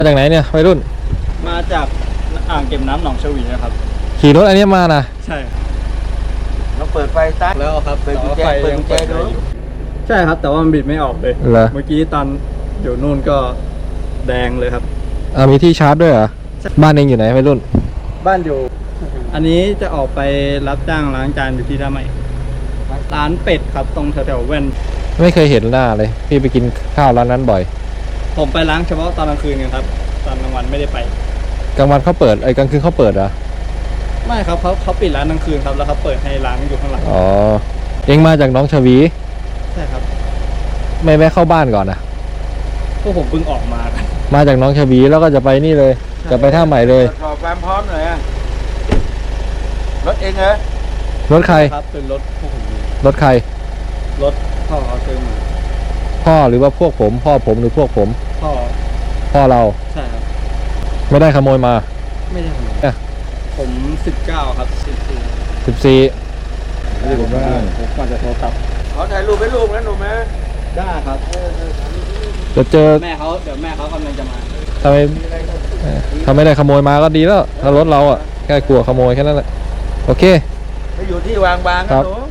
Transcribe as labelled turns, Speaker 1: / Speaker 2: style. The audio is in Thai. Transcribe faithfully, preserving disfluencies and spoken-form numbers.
Speaker 1: มาจากไหนเนี่ยวัยรุ่น
Speaker 2: มาจากอ่างเก็บน้ำหนองชวีนะครับ
Speaker 1: ขี่รถอันนี้มานะ
Speaker 2: ใช่
Speaker 3: เราเปิดไฟตั้ง
Speaker 2: แล้วครับ
Speaker 3: เปิดกุญแจเปิดกุญแจดู
Speaker 2: ใช่ครับแต่ว่ามันบิดไม่ออกเลยเมื่อกี้ตอนอยู่นู่นก็แดงเลยครับ
Speaker 1: อ่ามีที่ชาร์จด้วยเหรอบ้านเองอยู่ไหนวัยรุ่น
Speaker 2: บ้านอยู่อันนี้จะออกไปรับจ้างล้างจานอยู่ที่ท่าใหม่ร้านเป็ดครับตรงแถวๆแว่น
Speaker 1: ไม่เคยเห็นหน้าเลยพี่ไปกินข้าวร้านนั้นบ่อย
Speaker 2: ผมไปล้างเฉพาะตอนกลางคืนกันครับตอนกลางวันไม่ได้ไป
Speaker 1: กลางวันเขาเปิดไอ้กลางคืนเขาเปิดเหรอ
Speaker 2: ไม่ครับเขาเขาปิดร้านกลางคืนครับแล้วเขาเปิดให้ล้างอยู่ข้างหลัง
Speaker 1: อ๋อเองมาจากน้องชวี
Speaker 2: ใช่ครับ
Speaker 1: ไม่แวะเข้าบ้านก่อนนะ
Speaker 2: พวกผมเพิ่งออกมากัน
Speaker 1: มาจากน้องชวีแล้วก็จะไปนี่เลยจะไปท่าใหม่เลย
Speaker 3: ตรวจสอบความพร้อมหน่อยรถเองเหรอ
Speaker 1: รถใคร
Speaker 2: ครับเป็นรถพวกผม
Speaker 1: รถใคร
Speaker 2: รถพ่อเขาซื้อมา
Speaker 1: พ่อหรือว่าพวกผมพ่อผมหรือพวกผม
Speaker 2: พ่อ
Speaker 1: พ่อเรา
Speaker 2: ใช่ครับ
Speaker 1: ไม่ได้ขโมยมา
Speaker 2: ไม่ได้ขโมยผมสิบเก้าครับสิบสี่
Speaker 1: สิบสี่
Speaker 2: นี่ผมว่าผมก่อนจะโทรกลับ
Speaker 3: ขอถ่ายรูปให้ลูกนะหนูแม่
Speaker 2: ได้ครับ
Speaker 1: จะเจอ
Speaker 2: แม่เขาเดี๋ยวแม่เขากำลังจะมา
Speaker 1: ทำไมทำไม่ได้ขโมยมาก็ดีแล้วถ้ารถเราอ่ะแค่กลัวขโมยแค่นั้นแหละโอเค
Speaker 3: ไปอยู่ที่วางบางนะหนู